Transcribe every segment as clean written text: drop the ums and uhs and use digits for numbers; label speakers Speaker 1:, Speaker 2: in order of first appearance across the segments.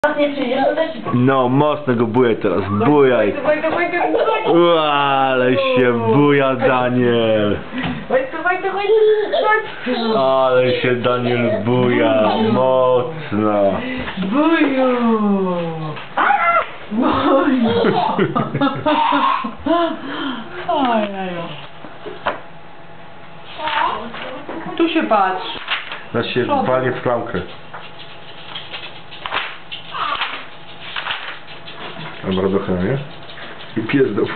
Speaker 1: Nie przyjdziesz, to też...
Speaker 2: No, mocno go buję teraz, bujaj. Ale się buja Daniel. Ale się Daniel buja, mocno.
Speaker 1: Buju! Buju! Ojeju. Tu się patrz.
Speaker 2: Znaczy się walnie w klamkę. Dobra, trochę, nie? I pies do...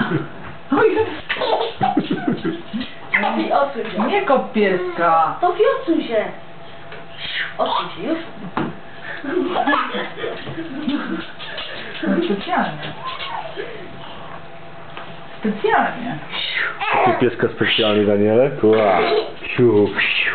Speaker 1: Sofi, odsuń się. Nie kop pieska. Sofi, odsuń się. Odsuń się już. Specjalnie. Specjalnie.
Speaker 2: Ty pieska specjalnie, Daniele? Ła. Siu.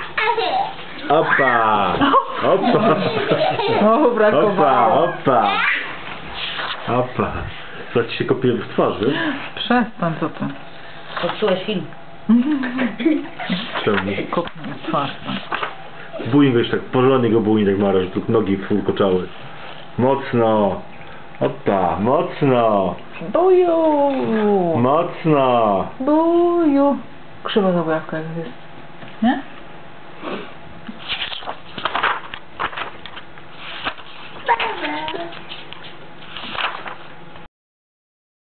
Speaker 2: Opa! Opa!
Speaker 1: O, brakowało.
Speaker 2: Opa! Opa! Co ci się kopie w twarzy?
Speaker 1: Przestań, co ty.
Speaker 3: Popsułeś film.
Speaker 2: Czemu?
Speaker 1: Kopnij w twarz.
Speaker 2: Bujnik go już tak, porządnie go bujnik tak mara, że tu nogi fulkoczały. Mocno! Opa! Mocno!
Speaker 1: Buju!
Speaker 2: Mocno!
Speaker 1: Buju! Krzywa zabawka jak jest. Nie?